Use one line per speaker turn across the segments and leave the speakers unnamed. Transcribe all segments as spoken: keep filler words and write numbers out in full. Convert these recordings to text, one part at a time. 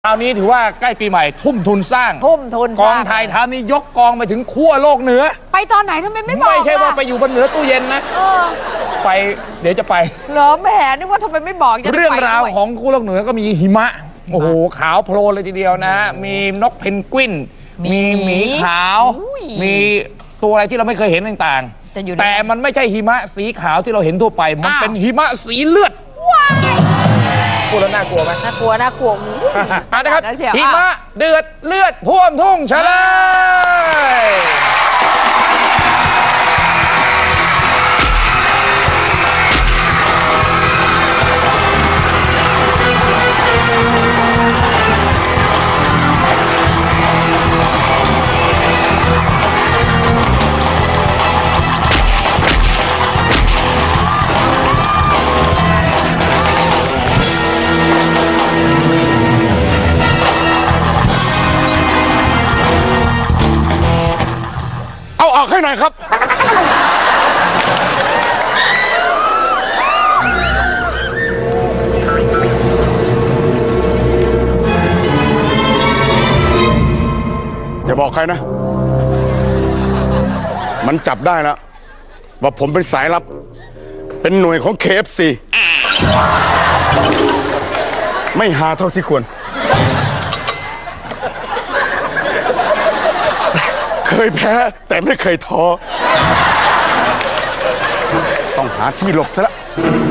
คราวนี้ถือว่าใกล้ปีใหม่ทุ่มทุนสร้าง
ทุ่มทุน
กองถ่ายทำนี่ยกกองไปถึงขั้วโลกเหนือ
ไปตอนไหนทำไมไม่บอก
ไม่ใช่ว่าไปอยู่บนเหนือตู้เย็นนะไปเดี๋ยวจะไป
เหรอแหมนึกว่าทำไมไม่บอก
เรื่องราวของขั้วโลกเหนือก็มีหิมะโอ้โหขาวโพลนเลยทีเดียวนะมีนกเพนกวินมีหมีขาวมีตัวอะไรที่เราไม่เคยเห็นต่างๆแต่มันไม่ใช่หิมะสีขาวที่เราเห็นทั่วไปมันเป็นหิมะสีเลือดพูดแล้วน่ากลัวไหม
น่ากลัวน่ากลัว
นะครับหิมะเดือดเลือดท่วมทุ่งเฉลยเอาออกให้หน่อยครับอย่าบอกใครนะมันจับได้แล้วว่าผมเป็นสายลับเป็นหน่วยของ เค เอฟ ซี ไม่หาเท่าที่ควรเคยแพ้แต่ไม่เคยท้อต้องหาที่หลบซะละ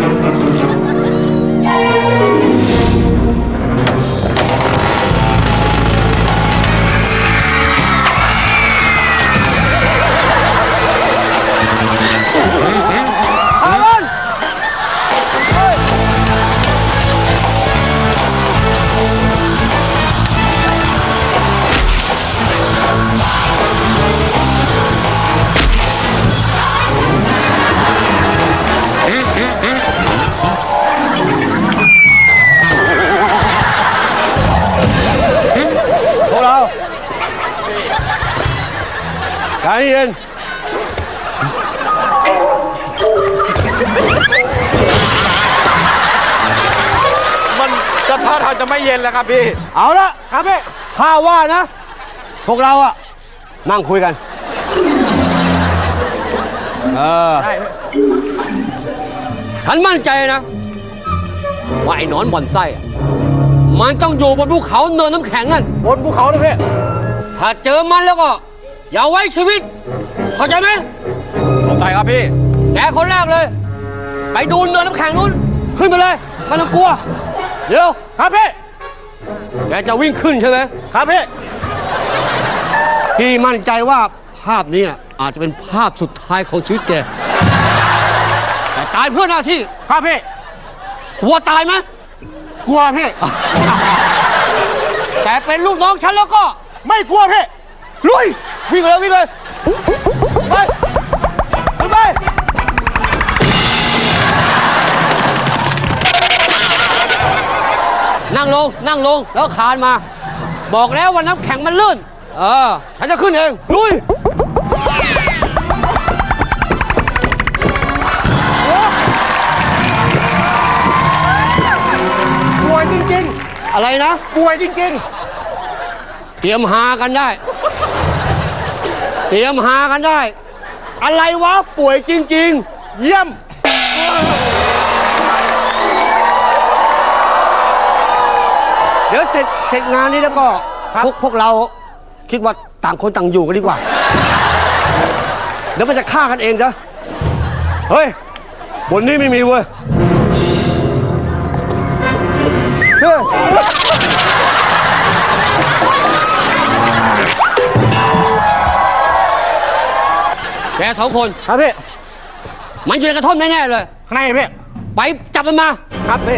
ใจเย็น
มันจะท่าทางจะไม่เย็นแล้วครับพี่
เอาละครับพี่ข้าว่านะพวกเราอะนั่งคุยกันเออฉันมั่นใจนะว่าไอ้หนอนบ่อนไส้มันต้องอยู่บนภูเขาเนินน้ำแข็งนั่น
บนภูเขานะพี่
ถ้าเจอมันแล้วก็อย่าไว้ชีวิตเข้าใจไหม
เข้าใจครับพี่
แกคนแรกเลยไปดูเนินน้ำแข็งนู้นขึ้นไปเลยไม่ต้องกลัวเดี๋ยว
ครับพี่
แกจะวิ่งขึ้นใช่ไหม
ครับพี่
พี่มั่นใจว่าภาพนี้อาจจะเป็นภาพสุดท้ายของชีวิตแกแต่ตายเพื่อหน้าที่
ครับพี่
กลัวตายไหม
กลัวพี่
แต่เป็นลูกน้องฉันแล้วก็
ไม่กลัวพี่
ลุยวิ่งเลยวิ่งเลยไปขึ้นไปนั่งลงนั่งลงแล้วคานมาบอกแล้วว่าน้ำแข็งมันลื่นเออฉันจะขึ้นเองลุย
ป่วยจริง
ๆอะไรนะ
ป่วยจริง
ๆเตรียมหากันได้เตรียมหากันได้อะไรวะป่วยจริง
ๆเยี่ยม
เดี๋ยวเสร็จเสร็จงานนี้แล้วก็พวกพวกเราคิดว่าต่างคนต่างอยู่กันดีกว่าเดี๋ยวมันจะฆ่ากันเองจ้ะเฮ้ยบนนี้ไม่มีเว้ยเฮ้ยแกสองคน
ครับพี่
มันอยู่ในกระท่อมแน่ๆเลย
ข้างในพี่
ไปจับมันมา
ครับพี่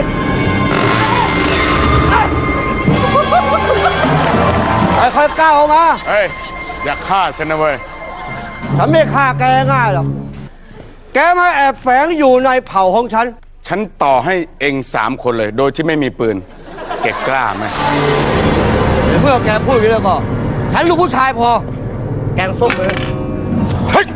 ค่อยๆก้าวออกมา
เฮ้ยอย่าฆ่าฉันนะเว้ย
ฉันไม่ฆ่าแกง่ายหรอกแกมาแอบแฝงอยู่ในเผ่าของฉัน
ฉันต่อให้เองสามคนเลยโดยที่ไม่มีปืนแกกล้าไหม
เมื่อแกพูดอย่างนี้แล้วก็ฉันลูกผู้ชายพอแกงส้มเลยเฮ้ย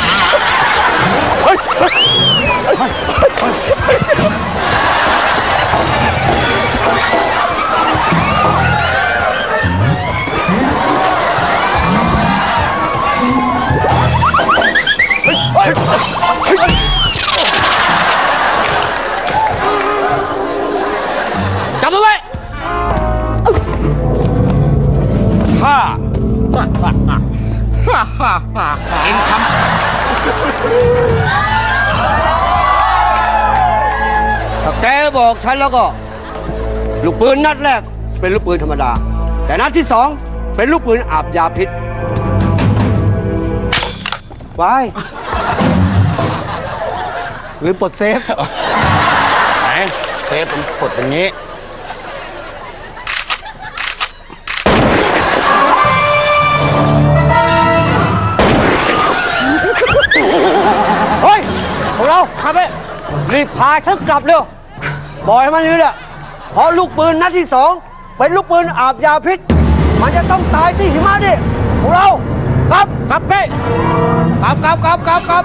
เ
จับมันไว้
ข้าเองทำ
ถ้าแกบอกฉันแล้วก็ ลูกปืนนัดแรกเป็นลูกปืนธรรมดา แต่นัดที่สองเป็นลูกปืนอาบยาพิษไปหรือปลดเซฟ
ไหนเซฟผมกดอย่างนี้
เฮ้ยพวกเราครับเอ้รีบพาฉันกลับเร็วบอกให้มันนี่แหละเพราะลูกปืนนัดที่สองเป็นลูกปืนอาบยาพิษ มันจะต้องตายที่หิมะดิพวกเรากลับกลับไปกลับกลับกลับกลับกลับ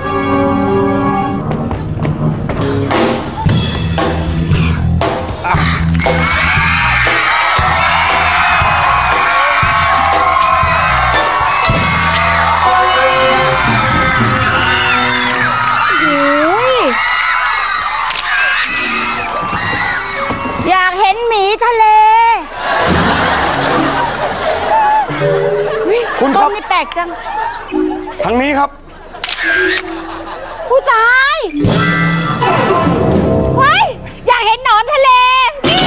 อยากเห็นหมีทะเล
คุณค
ต้
รั
น
บ
นี่แปลกจัง
ทางนี้ครับ
ผู้ตายเฮ้ยอยากเห็นหนอนทะเล นี่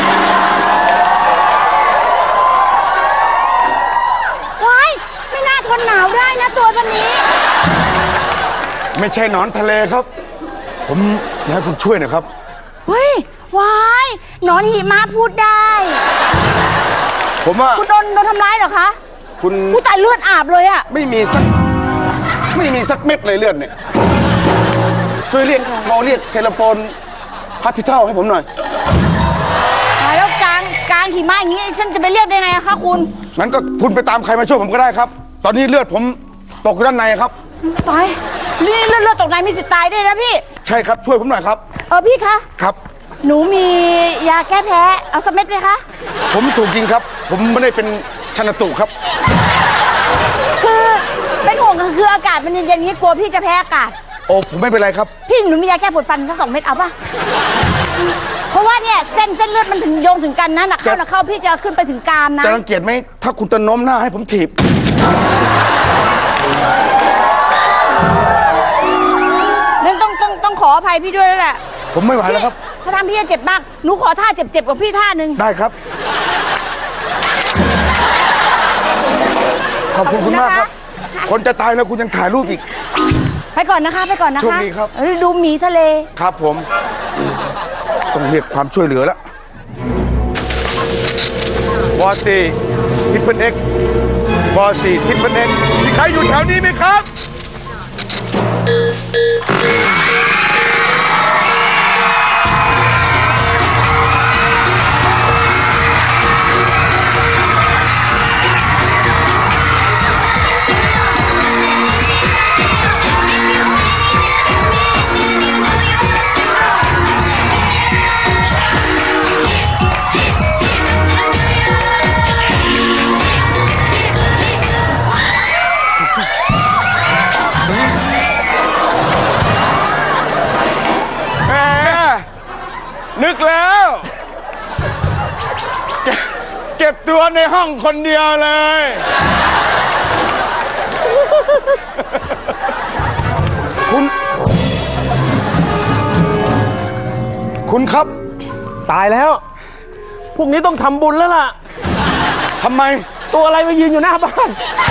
ว้ายไม่น่าทนหนาวได้นะตัวพันนี้
ไม่ใช่หนอนทะเลครับ ผมอยากให้คุณช่วยหน่อยครับ
เฮ้ย วายหนอนหิมะพูดได้
ผมว่า
คุณโดนโดนทำร้ายเหรอคะ
คุณ
ผู้ตายเลือดอาบเลยอะ
ไม่มีสัก ไม่มีสักเม็ดเลยเลือดเนี่ย ช่วยเรียกโทรเรียกเทเลโฟนพัทพิเท่าให้ผมหน่อย
ตายแล้วกลางกลางหิมะอย่างนี้ฉันจะไปเรียกได้ไงอะคะคุณ
งั้นก็คุณไปตามใครมาช่วยผมก็ได้ครับ ตอนนี้เลือดผมตกอยู่ด้านในครับ
ตายเลือดเลือดเลือดตกในมีสิทธิ์ตายด้วยนะพี่
ใช่ครับช่วยผมหน่อยครับ
เออพี่คะ
ครับ
หนูมียาแก้แพ้ เอาสักเม็ดเลยคะ
ผมถูกยิงครับ ผมไม่ได้เป็นชันตุครับ
คือเป็นห่วงก็คืออากาศมันเย็นๆอย่างนี้กลัวพี่จะแพ้อากาศ
โอ้ผมไม่เป็นไรครับ
พี่หนูมียาแก้ปวดฟันสักสองเม็ดเอาป่ะ เพราะว่าเนี่ยเส้นเส้นเลือดมันถึงโยงถึงกันนะหนักเข้าหนักเข้าพี่จะขึ้นไปถึงกรามนะ
จะรังเกียจไหมถ้าคุณจะโน้มหน้าให้ผมถีบ
นั่นต้องต้องต้องขออภัยพี่ด้วยแล้วแหละ
ผมไม่ไหวแล้วครับ
ถ้าทำพี่จะเจ็บมากหนูขอท่าเจ็บๆกับพี่ท่าหนึ่ง
ได้ครับ ขอบคุณคุณมากครับ คนจะตายแล้วคุณยังถ่ายรูปอีก
ไปก่อนนะคะไปก่อนนะคะ
โชคดีครับ
เออดูหมีทะเล
ครับผม ต้องเรียกความช่วยเหลือแล้ววอสี่ทิปเปิลเอ็กวอสี่ทิปเปิลเอ็กมีใครอยู่แถวนี้ไหมครับ แหมนึกแล้วเก็บเก็บตัวในห้องคนเดียวเลย คุณ คุณครับ
ตายแล้ว พวกนี้ต้องทำบุญแล้วล่ะ
ทำไม
ตัวอะไรมายืนอยู่หน้าบ้าน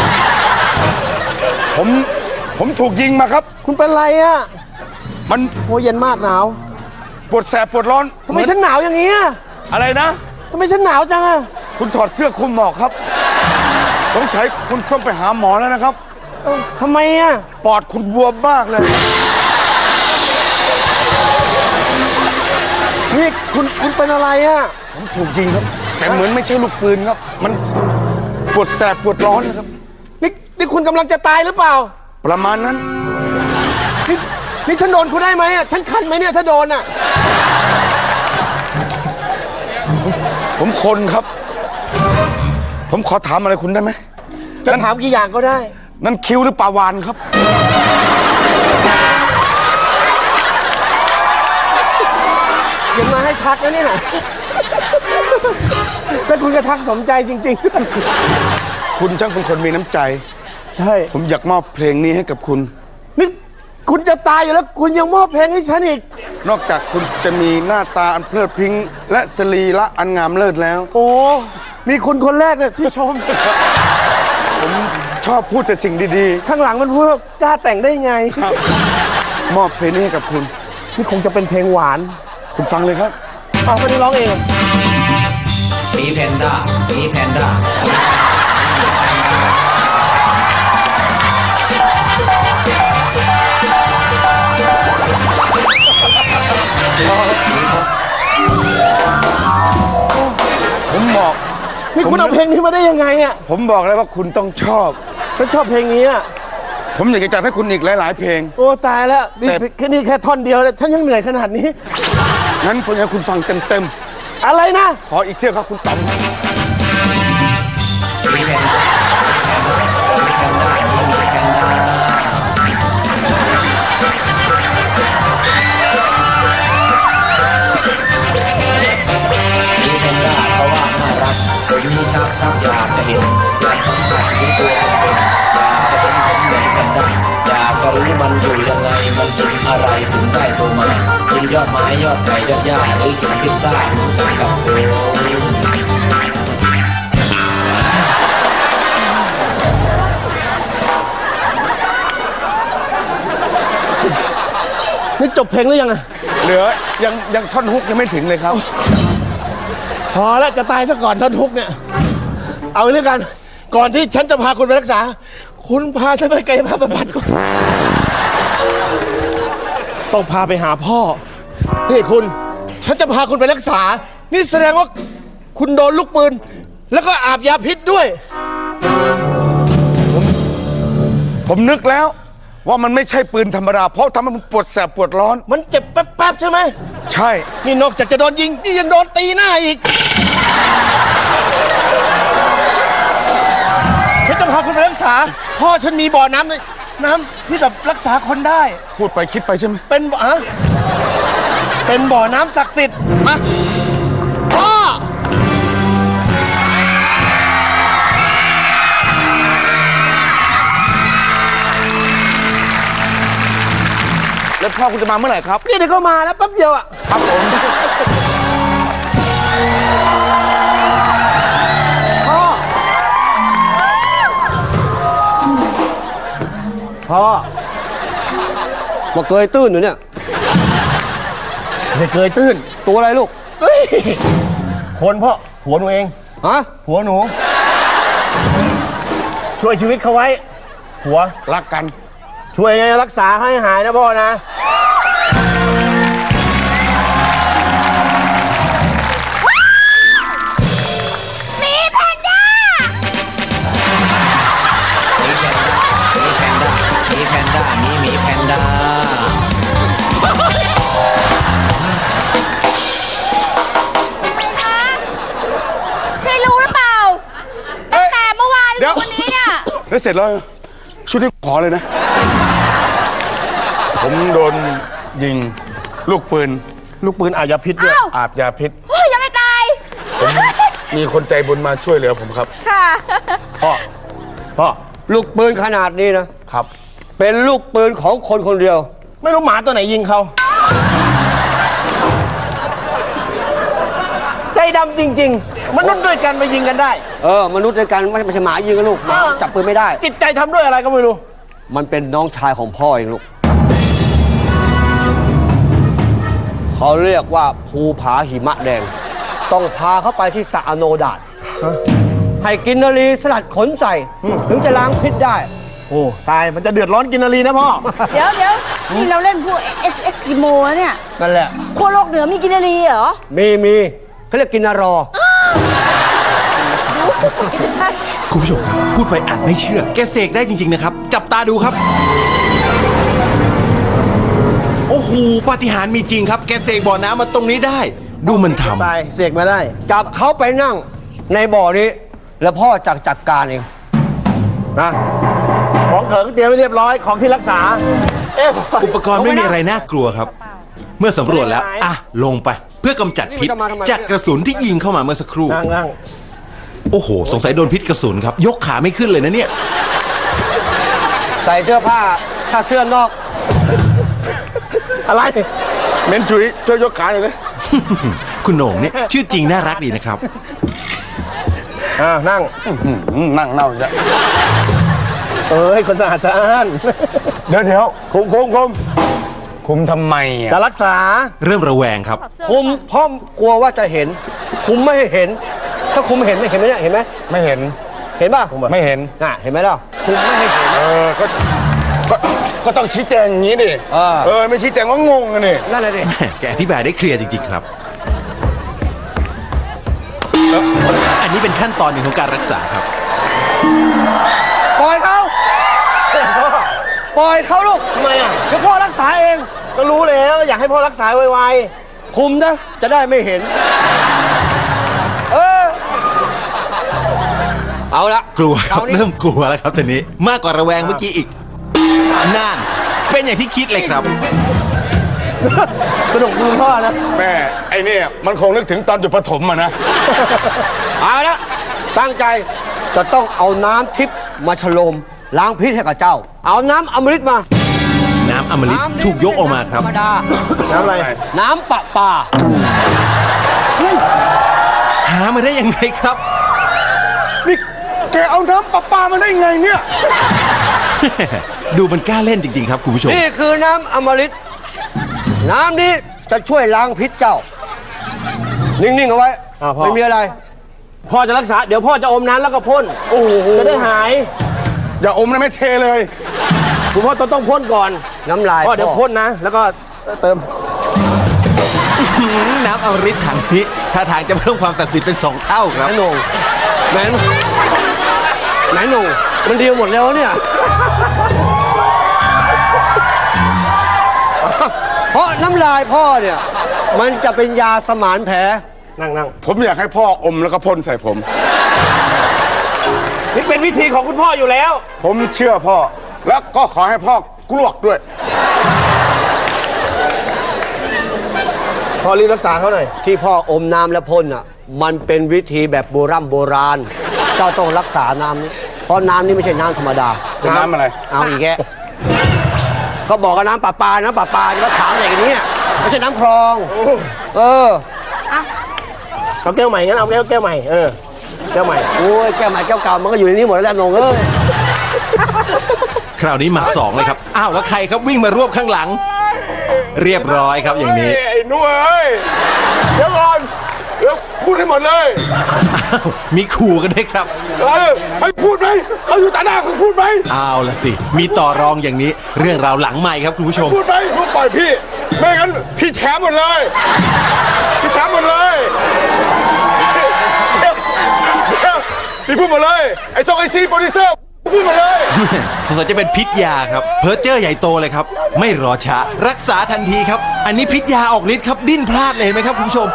ผม ผมถูกยิงมาครับ
คุณเป็นไรอ่ะ
มัน
โอ้เย็นมากหนาว
ปวดแสบปวดร้อน
ทำไมฉันหนาวอย่างนี้อ่ะ
อะไรนะ
ทำไมฉันหนาวจังอ่ะ
คุณถอดเสื้อคลุมหมอกครับ สงสัยคุณต้องไปหาหมอแล้วนะครับ
เอ้าทำไมอ่ะ
ปอดคุณบวมมากเลย
นี่คุณคุณเป็นอะไรอ่ะ
ผมถูกยิงครับ แต่เหมือนไม่ใช่ลูกปืนครับ มันปวดแสบปวดร้อนนะครับ
นี่นี่คุณกำลังจะตายหรือเปล่า
ประมาณนั้น
นี่นี่ฉันโดนคุณได้ไหมอ่ะ ฉันคันไหมเนี่ยถ้าโดนอ่ะ
ผมคนครับ ผมขอถามอะไรคุณได้ไหม
จะถามกี่อย่างก็ได้
นั่นคิ้วหรือปลาวานครับ
ยังมาให้ทักนะเนี่ยแล้วคุณก็ทักสมใจจริง
คุณช่างเป็นคนมีน้ำใจ
ๆ ใช่
ผมอยากมอบเพลงนี้ให้กับคุณ
นี่คุณจะตายอยู่แล้วคุณยังมอบเพลงให้ฉันอีก
นอกจากคุณจะมีหน้าตาอันเพลิดพริ้งและสรีระอันงามเลิศแล้ว
โอ้มีคุณคนแรกเนี่ยที่ชม
ผมชอบพูดแต่สิ่งดี
ข้างหลังมันพูดว่ากล้าแต่งได้ไง
ๆครับมอบเพลงนี้ให้กับคุณ
นี่คงจะเป็นเพลงหวาน
คุณฟังเลยครับ
เอาคนนี้ร้องเอง
หมีแพนด้าหมีแพนด้า
ผมบอก
นี่คุณเอาเพลงนี้มาได้ยังไงอ่ะ
ผมบอกเลยว่าคุณต้องชอบ
ฉันชอบเพลงนี้อ่ะ
ผมอยากจะจัดให้คุณอีกหลาย ๆ เพลง
โอ้ตายแล้วนี่
แต่
แค่นี้แค่ท่อนเดียวเลยฉันยังเหนื่อยขนาดนี้
งั้นผมอยากให้คุณฟังเต็ม
อะไรนะ
ๆ ขออีกเที่ยวครับคุณต๋อม
หมีแพนด้าหมีแพนด้าหมีแพนด้าหมีแพนด้าเพราะว่าน่ารักผมนี่ชักชักอยากจะเห็นอยากสัมผัสที่ตัวเป็นๆอยากจะเป็นผมเหมือนแพนด้าอยากจะรู้มันอยู่ยังไงมันกินอะไรถึงได้โตมากินยอดไม้ยอดไผ่ยอดหญ้าหรือกินพิซซ่าเหมือนกันกับผม
นี่จบเพลงหรือยังอะ
เหลือยังยังท่อนฮุกยังไม่ถึงเลยครับ
พอแล้วจะตายซะก่อนท่อนทุกเนี่ย เอาเรื่องกัน ก่อนที่ฉันจะพาคุณไปรักษา คุณพาฉันไปกายภาพบำบัดก่อนต้องพาไปหาพ่อ นี่คุณ ฉันจะพาคุณไปรักษา นี่แสดงว่าคุณโดนลูกปืน แล้วก็อาบยาพิษด้วย
ผมนึกแล้วว่ามันไม่ใช่ปืนธรรมดา เพราะทำให้มันปวดแสบปวดร้อน
มันเจ็บแป๊บๆใช่ไหม
ใช่
นี่นอกจากจะโดนยิง นี่ยังโดนตีหน้าอีก ฉันจะพาคุณไปรักษา พ่อฉันมีบ่อน้ำเลยน้ำที่แบบรักษาคนได้
พูดไปคิดไปใช่ไหม
เป็นบ่ออะเป็นบ่อน้ำศักดิ์สิทธิ์ มา พ่อ
แล้วพ่อคุณจะมาเมื่อไหร่ครับ
นี่เดี๋ยวก็มาแล้วแป๊บเดียวอ่ะ
ครับผม
พ่อ
พ่อมาเกยตื้นอยู่เนี่ย
ไม่เคยตื้น
ตัวอะไรลูก
เอ้ย คนพ่อ หัวหนูเอง
ฮะ
หัวหนู ช่วยชีวิตเขาไว้ หัว
รักกัน
ช่วยรักษาให้หายนะพ่อนะ
มีแพนด้า
มีแพนด้ามีแพนด้ามีหมีแพนด้า
เคยรู้หรือเปล่าตั้งแต่เมื่อวาน
เดี๋ยว
ถึงวันนี้เนี่ย
แล้วเสร็จแล้วชุดนี้ขอเลยนะ ผมโดนยิงลูกปืน
ลูกปืนอาบยาพิษด้วย
อ้าว
อาบยาพิษ
โอ้ยยังไม่ตาย
มีคนใจบุญมาช่วยเหลือผมครับ
ค่ะ
พ่อ พ่อ
ลูกปืนขนาดนี้นะ
ครับ
เป็นลูกปืนของคนคนเดียว
ไม่รู้หมาตัวไหนยิงเขา ใจดำจริง ๆ มนุษย์ด้วยกันมายิงกันได้
เออ มนุษย์ด้วยกันไม่ไม่ใช่หมายิงกันลูกหมา
อ้าว
จับปืนไม่ได้
จิตใจทำด้วยอะไรก็ไม่รู้
มันเป็นน้องชายของพ่อเองลูก เขาเรียกว่าภูผาหิมะแดง ต้องพาเขาไปที่สระอโนดาตให้กินนารีสลัดขนใส่ ถึงจะล้างพิษได้
โอ้ ตาย มันจะเดือดร้อนกินนารีนะพ่อ
เดี๋ยวเดี๋ยวนี่เราเล่นพวกเอสเอสกิโมแล้วเนี่ย
นั่นแหละ
ขั้วโลกเหนือมีกินนารีเหรอ
มีมีเขาเรียกกินนารอ
คุณผู้ชมครับ พูดไปอาจไม่เชื่อ แกเสกได้จริง ๆ นะครับ จับตาดูครับ โอ้โหปาฏิหาริย์มีจริงครับ แกเสกบ่อน้ำมาตรงนี้ได้ดูมันท
ตายเสกมาได้
จับเขาไปนั่งในบ่อนี้ แล้วพ่อจัดจัดการเอง
นะของเขิงเตรียมไว้เรียบร้อยของที่รักษา เอ๊ะ
ำอุปกรณ์ไม่มีอะไรน่ากลัวครับ เมื่อสำรวจแล้วอ่ะลงไปเพื่อกำจัดพิษจากกระสุนที่ยิงเข้ามาเมื่อสักครู่
นั่งนั่ง
โอ้โห สงสัยโดนพิษกระสุนครับ ยกขาไม่ขึ้นเลยนะเนี่ย
ใส่เสื้อผ้า ถ้าเสื้อนอก
อะไร
เม้นชุยช่วยยกขาหน่อยสิ
คุณโหน่งเนี่ยชื่อจริงน่ารักดีนะครับ
อ่านั่ง
อืมนั่งเน่าอีกแล้ว
เอ้ยคนสะอาดสะอ้าน
เดี๋ยวเดี๋ยวคุมคุมคุมคุมทำไมอ่ะ
จะรักษา
เริ่มระแวงครับ
คุมพ่อมกลัวว่าจะเห็น คุมไม่ให้เห็น ถ้าคุมเห็นไม่เห็นไหมเนี่ยเห็นไหม
ไม่เห็น
เห็นป่ะ
ไม่เห็น
น่ะเห็นไหมล่ะคุมไม่ให้เห็น
เออก็ก็ก็ต้องชี้แจงอย่างนี้ดิ
เออ
เออไม่ชี้แจงก็งงกันนี่
นั่นแหละดิ
แหม่แกอธิบายได้เคลียร์จริงๆครับ อันนี้เป็นขั้นตอนหนึ่งของการรักษาครับ
ปล่อยเขาปล่อยเขาลูก
ทำไมอ่ะ
เดี๋ยวพ่อรักษาเอง
ก็รู้แล้วอยากให้พ่อรักษาไว
คุมนะจะได้ไม่เห็น เออ เอาละ
กลัวครับ
เอานี่
เริ่มกลัวแล้วครับทีนี้ มากกว่าระแวงเมื่อกี้อีกนั่นเป็นอย่างที่คิดเลยครับ
ๆ สนุกคุณพ่อนะ
แม่ไอ้เนี่ยมันคงนึกถึงตอนอยู่ประถมอะนะ
เอาละตั้งใจจะต้องเอาน้ำทิพย์มาฉโลมล้างพิษให้กับเจ้า เอาน้ำอมฤตมา
น้ำอมฤต
น้ำนี่
ถูกยกออกมาครับ
ธรรมดา
น้ำอะไร
น้ำปะปา
หามาได้ยังไงครับ
นี่แกเอาน้ำประปามาได้ไงเนี่ย
ดูมันกล้าเล่นจริงๆครับคุณผู้ชม
นี่คือน้ำอมฤตน้ำนี้จะช่วยล้างพิษเจ้า นิ่งๆเอาไว้
อ่าพ่อ
ไม่มีอะไร
พ่อจะรักษา เดี๋ยวพ่อจะอมน้ำแล้วก็พ่น
โอ้โห
จะได้หาย
อย่าอมนะไม่เทเลย
คุณพ่อต้องต้องพ่นก่อน
น้ำลาย
พ่อเดี๋ยวพ่นนะ แล้วก็เติม
น้ำอมฤตถังนี้ท่าทางจะเพิ่มความศักดิ์สิทธิ์เป็นสองเท่าครับ
แม่หนงแม่หนงแม่หนงมันดีหมดแล้วเนี่ย เพราะน้ำลายพ่อเนี่ย มันจะเป็นยาสมานแผล
นั่งนั่ง
ผมอยากให้พ่ออมแล้วก็พ่นใส่ผม
นี่เป็นวิธีของคุณพ่ออยู่แล้ว
ผมเชื่อพ่อ แล้วก็ขอให้พ่อกลวกด้วย
พ่อรีบรักษาเขาหน่อย
ที่พ่ออมน้ำและพ่นอ่ะ มันเป็นวิธีแบบโบราณโบราณ เจ้าต้องรักษาน้ำนี้ เพราะน้ำนี้ไม่ใช่น้ำธรรมดา
เป็นน้ำอะไร
เอาอีกแกเขาบอกว่าน้ำประปา น้ำประปาแล้วถามอะไรกันเนี่ยไม่ใช่น้ำคลอง เออ
เอาแก้วใหม่งั้นเอาแก้วแก้วใหม่ เออ แก้วใหม่
โอ้ยแก้วใหม่แก้วเก่ามันก็อยู่ในนี้หมดแล้วแหละนงเอ้ย
คราวนี้มาสองเลยครับ อ้าวแล้วใครครับวิ่งมารวบข้างหลัง เรียบร้อยครับอย่างนี้
ไอ้หนุ่ยเอ้ย เดี๋ยวก่อน เดี๋ยวพูดให้หมดเลย
อ้าวมีขู่กันด้วยครับ
เออให้พูดไหมเขาอยู่ต่อหน้าคุณพูดไหม
เอาละสิ มีต่อรองอย่างนี้ เรื่องราวหลังใหม่ครับคุณผู้ชม
พูดไหมพูดปล่อยพี่ ไม่งั้นพี่แฉหมดเลย พี่แฉหมดเลยเดี๋ยวเดี๋ยวพี่พูดหมดเลย ไอ้ซองไอซีโปรดิวเซอร์พูดหมดเลย
สงสัยจะเป็นพิษยาครับ เพอร์เจอร์ใหญ่โตเลยครับ ไม่รอช้า รักษาทันทีครับ อันนี้พิษยาออกฤทธิ์ครับ ดิ้นพลาดเลยเห็นไหมครับคุณผู้ชม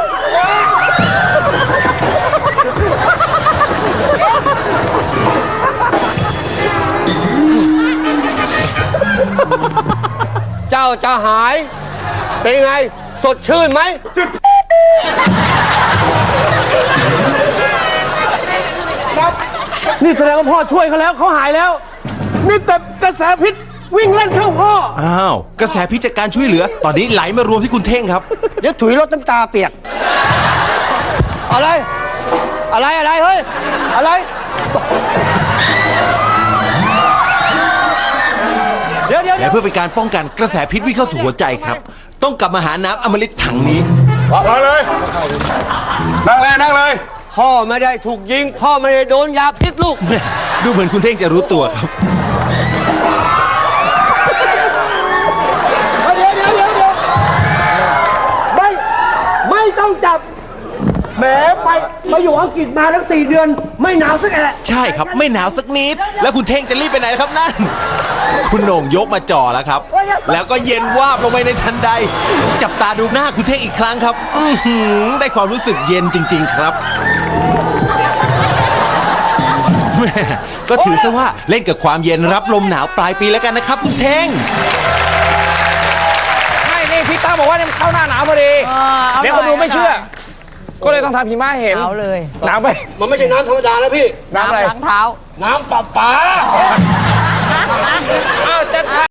เจ้าจะหาย เป็นไง สดชื่นไหม
นี่แสดงว่าพ่อช่วยเขาแล้วเขาหายแล้ว นี่แต่กระแสพิษวิ่งเล่นเข้าพ่อ
อ้าว กระแสพิษจากการช่วยเหลือ ตอนนี้ไหลมารวมที่คุณเท่งครับ
เดี๋ยวถุยรถน้ำตาเปียก อะไร อะไรอะไร เฮ้ย อะไร เดี๋ยวเดี๋ยวเดี๋
และ
ยว
เพื่อเป็นการป้องกันกระแสพิษวิ่งเข้าสู่หัวใจครับ ต้องกลับมาหาน้ำอมฤตถังนี้
มาเลย นั่งเลย นั่งเลย
พ่อไม่ได้ถูกยิง พ่อไม่ได้โดนยาพิษลูก
แม่ดูเหมือนคุณเท่งจะรู้ตัวครับ
เดี๋ยวเดี๋ยวเดี๋ยวเดี๋ยวไม่ ไม่ต้องจับแหมไปไปอยู่อังกฤษมาทั้งสี่เดือน ไม่หนาวสักแอะ
ใช่ครับไม่หนาวสักนิด แล้วคุณเท่งจะรีบไปไหนครับนั่น คุณโหน่งยกมาจ่อแล้วครับ แล้วก็เย็นวาบลงไปในทันใด จับตาดูหน้าคุณเท่งอีกครั้งครับ อื้อหือได้ความรู้สึกเย็นจริง ๆ ครับแม่ก็ถือซะว่าเล่นกับความเย็นรับลมหนาวปลายปีแล้วกันนะครับคุณเท่ง
ไม่นี่พี่ตั้มบอกว่าเนี่ยมันเข้าหน้าหนาวพอดี
เออเอาหน่อย
เดี๋ยวคนดูไม่เชื่อ
เอาหน่อย
ก็เลยต้องทำหิมะให้เห็น
เอาเลย
หนาวไป
มันไม่ใช่น้ำธรรมดาแล้วพี่
น้ำอะไร
ล้างเท้า
น้ำประปา
อ้าวจะ